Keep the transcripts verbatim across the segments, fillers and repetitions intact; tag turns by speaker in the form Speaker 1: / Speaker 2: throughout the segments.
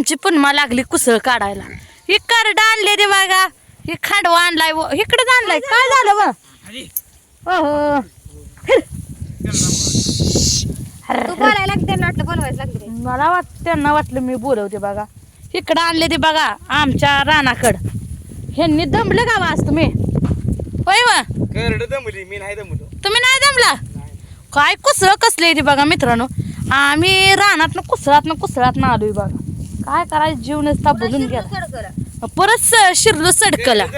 Speaker 1: आमची पुन्हा लागली कुसळ काढायला. ही करड आणले रे बघा, ही खांडवा आणलाय, इकडेच आणलाय. काय झालं बा? हो मला वाट त्यांना वाटलं मी बोलवते बघा. इकडं आणले ते बघा आमच्या रानाकड. ह्यांनी दमलं का वाज तुम्ही? होय वा
Speaker 2: मी नाही दमलो.
Speaker 1: तुम्ही नाही दमला? काय कुसळ कसले ते बघा मित्रांनो. आम्ही रानातनं कुसळातनं कुसळातनं आलोय बघा. काय करायचं जीव नसता बोलून गेला. परत शिरलो सडकला.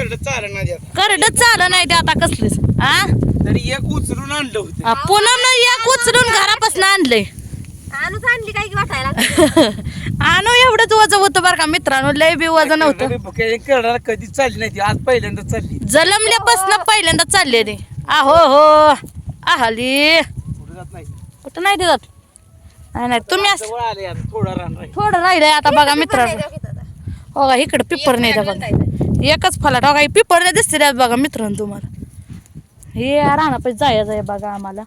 Speaker 1: करड चाल नाही ते आता कसलीच. आ
Speaker 2: तरी एक उचलून आणलं होतं.
Speaker 1: पुन्हा एक उचलून घरापासून आणलंय.
Speaker 3: आणूच आणली काय की वाटायला.
Speaker 1: आणू एवढंच वजन होतं बरं का मित्रांनो. लय बी वजन नव्हतं.
Speaker 2: करडाला कधी चालली नाही ती, आज पहिल्यांदा चालली.
Speaker 1: जलमल्यापासून पहिल्यांदा चालले रे. आहो हो आली
Speaker 2: कुठं जात नाही.
Speaker 1: कुठं नाही ते जात. नाही नाही तुम्ही असं
Speaker 2: जवळ आले आता, थोडा रान राहील.
Speaker 1: थोडं राहिलंय आता बघा मित्रांनो. हो का इकडं पिपर नाही त्या बघा. एकच फलाट हो का पिपर नाही दिसते त्यात बघा मित्रांनो तुम्हाला. हे रानापाशी जायचं आहे बघा आम्हाला.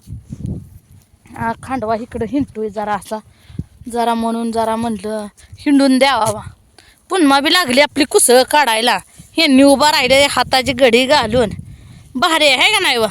Speaker 1: हा खांडवा इकडं हिंडतोय जरा असा जरा म्हणून जरा म्हणलं हिंडून द्यावा. पुन्हा बी लागली आपली कुसळ काढायला. ह्यांनी उभा राहिले हाताची घडी घालून. भारी आहे का नाही वा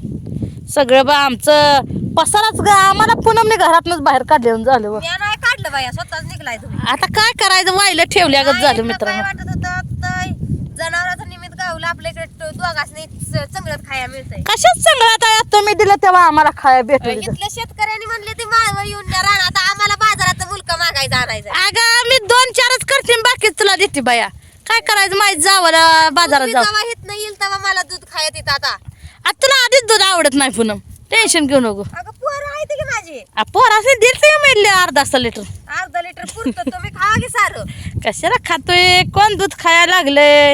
Speaker 1: सगळं बा आमचं पसाराच गा. आम्हाला पुनमने घरातनच बाहेर काढलं झालं व.
Speaker 3: नाही काढलं बाया, स्वतःच निघलाय तुम्ही.
Speaker 1: आता काय करायचं व्हायला ठेवल्यागत झालं
Speaker 3: काय
Speaker 1: मित्रांनो.
Speaker 3: वाटत होतं जनावरांचं निमित्त गावलं आपल्या इकडे दोघांनी चांगलं खाया मिळतंय.
Speaker 1: कशाच संगळात आहे तुम्ही दिलं तेव्हा आम्हाला खाया भेटलं.
Speaker 3: इथल्या शेतकऱ्यांनी म्हणले ते माळवर येऊन द्या रानात, आम्हाला बाजारात मुलका मागायचा आणायचा.
Speaker 1: अगं मी दोन चारच करते बाकी तुला देते बाया. काय करायचं माहित जावं बाजारात जाऊ.
Speaker 3: जेव्हा हित नाही येईल तेव्हा मला दूध खायत येत. आता
Speaker 1: आता तुला आधीच दूध आवडत नाही पुनम. टेन्शन घेऊ नको.
Speaker 3: अगं पोरं आहेत की माझी.
Speaker 1: पोरासे दिलते मिळले अर्धा अर्धा लिटर.
Speaker 3: अर्धा लिटर पुरतं, तुम्ही खा की सारं.
Speaker 1: कशाला खातोय कोण दूध खायला लागलंय.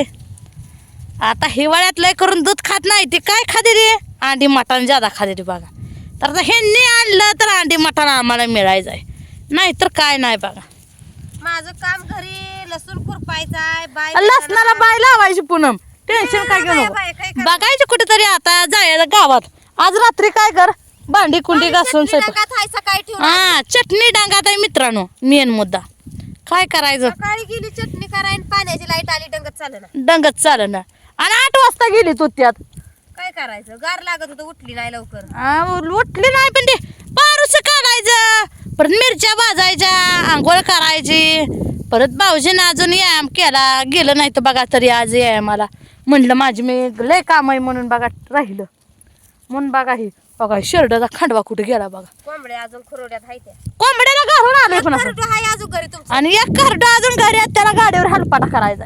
Speaker 1: आता हिवाळ्यात लय करून दूध खात नाही ते काय खाते रे. अंडी मटण ज्यादा खाते रे बघा. तर आता ह्यांनी आणलं तर अंडी मटण आम्हाला मिळायचं आहे. नाही तर काय नाही बघा.
Speaker 3: माझं काम घरी लसूण खुरपायचाय. बाय
Speaker 1: लसणाला बाय लावायची पूनम. टेन्शन काय घेऊ नको. बघायचं कुठेतरी आता जायचं गावात. आज रात्री काय कर भांडी कुंडी घासून स्वयंपाक.
Speaker 3: सकाळी ठेवून
Speaker 1: हा चटणी डांगात आहे मित्रांनो मेन मुद्दा. काय करायचं
Speaker 3: सकाळी गेली चटणी करायला, पाण्याची लाईट आली डंगत चाललं ना.
Speaker 1: डंगत चाल ना. आणि आठ वाजता गेली तू त्यात.
Speaker 3: काय करायचं, गार लागत होतं, उठली नाही लवकर.
Speaker 1: आ, उठली नाही पण ते पारूस काढायचं परत मिरच्या भाजायच्या आंघोळ करायची. परत भाऊजीनं अजून व्यायाम केला गेलं नाही तर बघा तरी आज व्यायामाला म्हणलं माझी मी लय काम आहे म्हणून बघा राहिलं म्हणून बघा ही बघा शिरडाचा खांडवा कुठे गेला बघा.
Speaker 3: कोंबड्या अजून खुरोड्यात आहे त्या.
Speaker 1: कोंबड्याला घालून आले पण असं.
Speaker 3: खरडं आहे अजून घरी तुमचं.
Speaker 1: आणि एक खरड अजून घरी आहेत त्याला गाडीवर हलपाटा करायचा.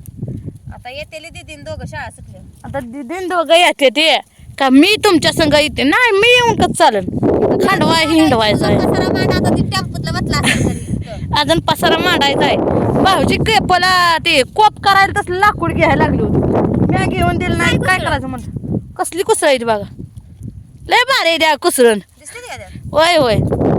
Speaker 3: आता येतेली दीदीन दोघं शाळा सुटल्या.
Speaker 1: आता दिदीन दोघं येते ते का मी तुमच्या संग येते. नाही मी येऊन कच चालेल. खांडवा हिंडवायचा आहे.
Speaker 3: पसारा मांडा आता ती टेम्पोतला बसला असेल घरी.
Speaker 1: अजून पसारा मांडायचा आहे. भाऊजी केपला ते कोप करायला तसलं लाकूड घ्यायला लागली होती. मी घेऊन दिलं नाही काय करायचं म्हणलं. कसली कुसळ आहे ती बघा. लय भारी आहे द्या कुसरण.
Speaker 3: दिसते ती का त्यात?
Speaker 1: होय होय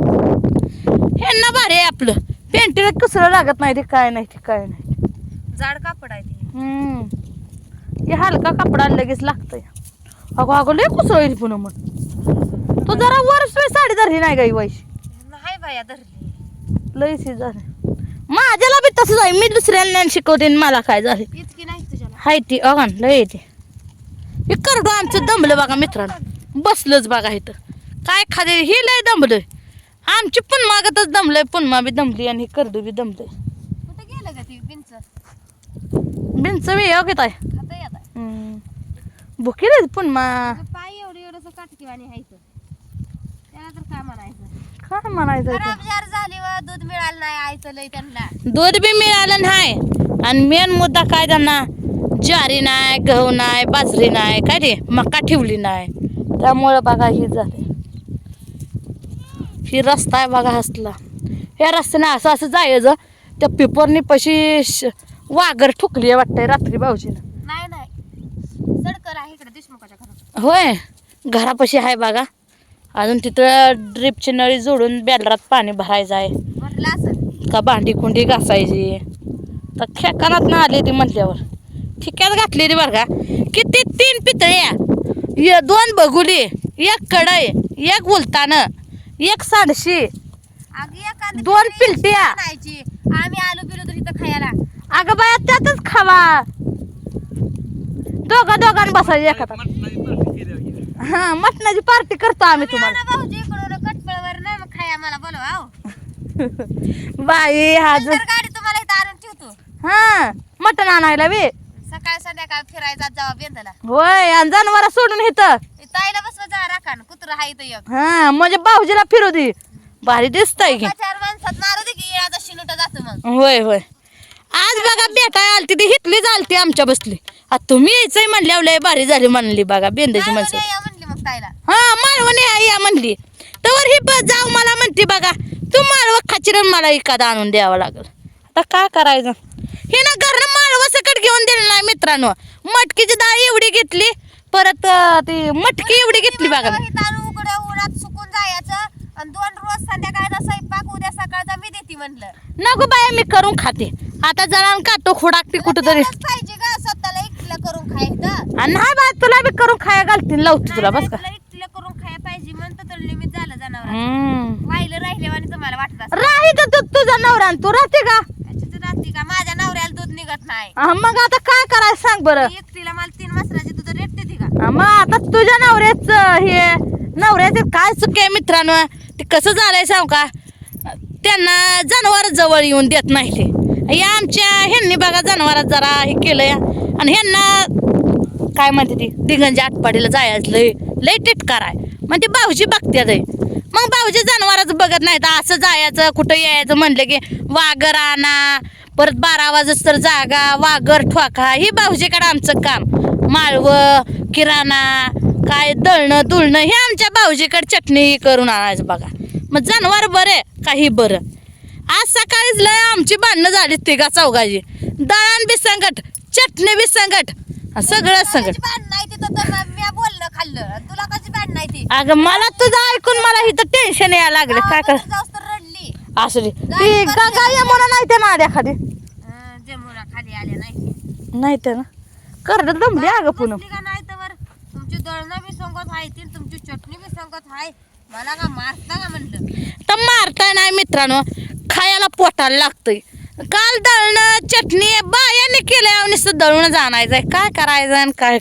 Speaker 1: ह्यांना भारी आहे आपलं. पेंटीला कुसळ लागत नाही ते काय नाही ते काय नाही.
Speaker 3: जाड कापड आहे ती.
Speaker 1: हम्म हे हलका कपडा लगेच लागतंय. अगो अगो लय कुसळ आहे पुन्हा मग. तू जरा वर साडी धरली नाही गाई वैशी.
Speaker 3: नाही बाया धरली.
Speaker 1: लय सी झाले माझ्याला बी तसंच आहे. मी दुसऱ्याला नाही शिकवते आणि मला काय झाले
Speaker 3: इतकी नाही तुझ्याला.
Speaker 1: हाय ती अगं लय येते. हे करडो आमचं दमलं बघा मित्रांनो. बसलंच बघा इथं काय खाते हे लय दमलंय. आमची पण मागतच दमलंय. पुन्हा बी दमली आणि करडू बी दमलंय.
Speaker 3: कुठं गेलं का ती बिंच?
Speaker 1: बिनच बी योग्यत आहे.
Speaker 3: खाता येत
Speaker 1: भुकी रे पुन्हा
Speaker 3: पाय एवढं एवढंसं काटकीवाणी हायचं. त्याला तर काय म्हणायचं.
Speaker 1: काय म्हणायचं
Speaker 3: खराब जार झाली व दूध मिळालं नाही आयचं लय त्यांना.
Speaker 1: दूध बी मिळालं नाही. आणि मेन मुद्दा काय त्यांना ज्वारी नाही गहू नाही बाजरी नाही काय रे मका ठेवली नाही. त्यामुळं बघा ही झाले. ही रस्ता आहे बघा हसला. ह्या रस्त्याने असं असं जायचं. त्या पेपरनी पशी वाघर ठुकली आहे वाटतंय रात्री भाऊजीनं.
Speaker 3: नाही नाही सडकर आहे इकडे देशमुखाच्या घरात.
Speaker 1: होय घरापाशी आहे बघा. अजून तिथं ड्रिपची नळी जोडून बॅलरात पाणी भरायचं आहे.
Speaker 3: म्हटलं असं
Speaker 1: का भांडी कुंडी घासायची. तर खेकानात ना आली ती म्हटल्यावर ठिक्यात घातली ती बरं का. किती तीन पितळ्या दोन बघुली एक कढई एक उलतानं एक सांडशी
Speaker 3: अगं एखादी
Speaker 1: दोन पिलट्या.
Speaker 3: आणायची आम्ही आलो बिलो तर इथं खायला
Speaker 1: अगं बाया त्यातच खावा दोघा दोघांना बसायचं एखादा
Speaker 2: मटणाची पार्टी केल्यावर गेल्या.
Speaker 1: हा मटणाची पार्टी करतो आम्ही तुम्हाला
Speaker 3: आणा भाऊजी इकडून कटपळवर नाही मग खाया मला बोलवा आहो
Speaker 1: बाई हा ज-
Speaker 3: तर गाडी तुम्हाला इथं आणून ठेवतो
Speaker 1: हा मटण आणायला बे
Speaker 3: सकाळ संध्याकाळ फिरायचा जावा बेंदला
Speaker 1: होय आणि जनावर सोडून इथं
Speaker 3: ताईला बसवा जा राखान कुत्र हाय इथं एक
Speaker 1: हा म्हणजे भाऊजीला फिरू दे भारी दिसतंय की
Speaker 3: एका चार माणसात मारू दे की येळाचा शिनुट जातो मग
Speaker 1: होय होय आज बघा भेटाय आलती ती हितलीच आलती आमच्या बसली आता तुम्ही यायचंय म्हणल्यावर लय भारी झाली म्हणली बघा बेंद्याची
Speaker 3: माळवणी
Speaker 1: माणसं
Speaker 3: या म्हणली मग ताईला
Speaker 1: हा माळवण या या म्हणली तर ही बस जाऊ मला म्हणते बघा तू माळव खाचीरन मला एखादा आणून द्यावं लागल आता काय करायचं हे ना घरनं माळव सकट घेऊन दिलं नाही मित्रांनो मटकीची डाळ एवढी घेतली परत अं, ती मटकी एवढी घेतली बघा
Speaker 3: हे तांदूळ उकडे उन्हात सुकून जायचं आणि दोन रोज संध्याकाळचा स्वयंपाक उद्या सकाळचा मी देते म्हणलं
Speaker 1: नको बाया मी करून खाते आता जरा काटो खुडाकते कुठं तरी
Speaker 3: तेवढंच पाहिजे का स्वतःला एकटीला करून खायचं
Speaker 1: आणि नाही बा तुला बी करून खाया घालतील लावते तुला बस का
Speaker 3: तुला एकटीला करून खाया पाहिजे म्हणतं तर निमित्त झालं जनावर
Speaker 1: हम्म
Speaker 3: वाहिलं राहिल्यावानी तुम्हाला वाटत असं
Speaker 1: राही तर तू तुझा नवरा आणि तू राहते का
Speaker 3: राहते का माझ्या नवऱ्याला दूध निघत नाही
Speaker 1: हा, मग आता काय करायचं सांग बरं
Speaker 3: एकटीला मला तीन मसराची दूध रेट देते का
Speaker 1: हा, मग आता तुझ्या नवऱ्याच हे नवऱ्याचे काय चुकी आहे मित्रांनो ते कसं झालंय सांग का त्यांना जनावर जवळ येऊन देत नाही ते या आमच्या ह्यांनी बघा जनावरात जरा हे केलंय आणि ह्यांना काय म्हणते ती दिगंजी आटपाडीला जायचं लय लय टिटकार आहे मग ते भाऊजी बघत्यात आहे. मग भाऊजी जनावरच बघत नाही तर असं जायचं कुठं यायचं म्हणलं की वाघर आणा परत बारा वाजत तर जागा वाघर ठोका ही भाऊजीकडे आमचं काम माळवं किराणा काय दळणं दुळणं हे आमच्या भाऊजीकडे चटणी करून आणायचं बघा मग जनावर बरे काही बरं आज सकाळीच लय आमची भांडणं झाली तिघा चौघाची दळण बी संकट चटणी बी संकट सगळं संकट
Speaker 3: भांड नाही तिथं तर मी बोलणं खाल्लं तुला कशी भांड नाही ती
Speaker 1: अगं मला तुझं ऐकून मला इथं टेन्शन यायला लागलं काय कर
Speaker 3: जाऊस तर रडली
Speaker 1: असू दे ती गंगा यमुना नाही ते नाड्या खाली
Speaker 3: अं, जमुना खाली आले नाही
Speaker 1: नाही ते ना करड दमली अगं पुन्हा
Speaker 3: बसली का नाही तर तुमची दळणं बी संगत आहे ती तुमची चटणी बी संगत आहे मला का मारता का म्हणलं
Speaker 1: तर मारताय नाही मित्रांनो खायला पोटाला लागतंय काल दळणं चटणी बायाने केलंय आणि नुसतं दळून आणायचंय काय करायचं आणि काय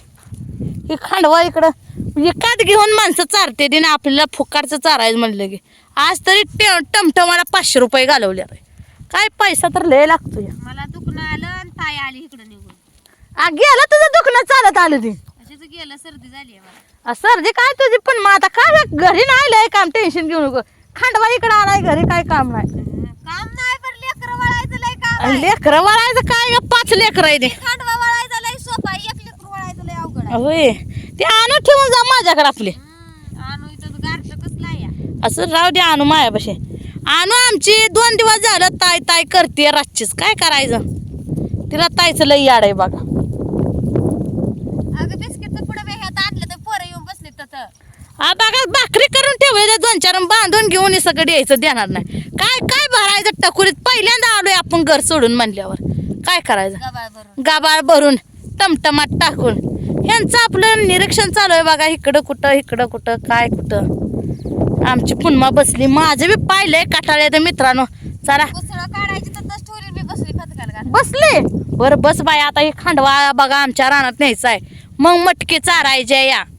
Speaker 1: करायचं हे खांडवा इकडं एकात घेऊन माणसं चारते दिन आपल्याला फुकारचं चारायचं म्हणलं की आज तरी टे टमटमाला पाचशे रुपये घालवले काय पैसा तर लय लागतोय
Speaker 3: मला दुखणं आलं आणि ताई आली इकडं निघून
Speaker 1: आ गेलं तुझं दुखणं चालत आलं ती
Speaker 3: अशीच गेलं सर्दी झाली आहे मला
Speaker 1: आ, सर्दी काय तुझी पण मग आता काय घरी नाही लय काम टेन्शन घेऊ नको खांडवा इकडं आलाय घरी काय काम नाही
Speaker 3: अं, काम नाही पण लेकरं वळायचं लय काम आहे.
Speaker 1: लेकरं वळायचं काय ग पाच लेकरं आहे ते
Speaker 3: खांडवा वळायचं लय सोपा आहे. एक लेकरं वळायचं लय अवघड आहे
Speaker 1: होय ते आणून ठेवून जा माझ्याकडे आपले
Speaker 3: हम्म, आणू इथं गारठं कसलं आहे या.
Speaker 1: असं राहू दे आणू मायापाशी आणू आमची दोन दिवस झालं ताय ताय करते रातचीच काय करायचं तिला तायचं लई याड आहे बघा
Speaker 3: अगं बिस्किटचं पुढे बी ह्यात आणलं तर पोरं येऊन बसले तर
Speaker 1: हा बघा भाकरी करून ठेवले दोन चार बांधून घेऊन हे सगळं यायचं देणार नाही काय काय भरायचं टकुरीत पहिल्यांदा आलोय आपण घर सोडून म्हणल्यावर काय करायचं
Speaker 3: गबाळ भरून
Speaker 1: गाबाळ भरून टमटमाट टाकून ह्यांचं आपलं निरीक्षण चालू आहे बघा इकडं कुठं इकडं कुठं काय कुठं आमची पुन्हा बसली माझं बी पाहिलंय काटाळ्या तर मित्रांनो चला
Speaker 3: उसळं काढायची तर तस ठेवली मी बसली खतकाल का
Speaker 1: बसले बरं बस बाय आता हे खांडवा बघा आमच्या रानात न्यायचा आहे मग मटकी चारायचे या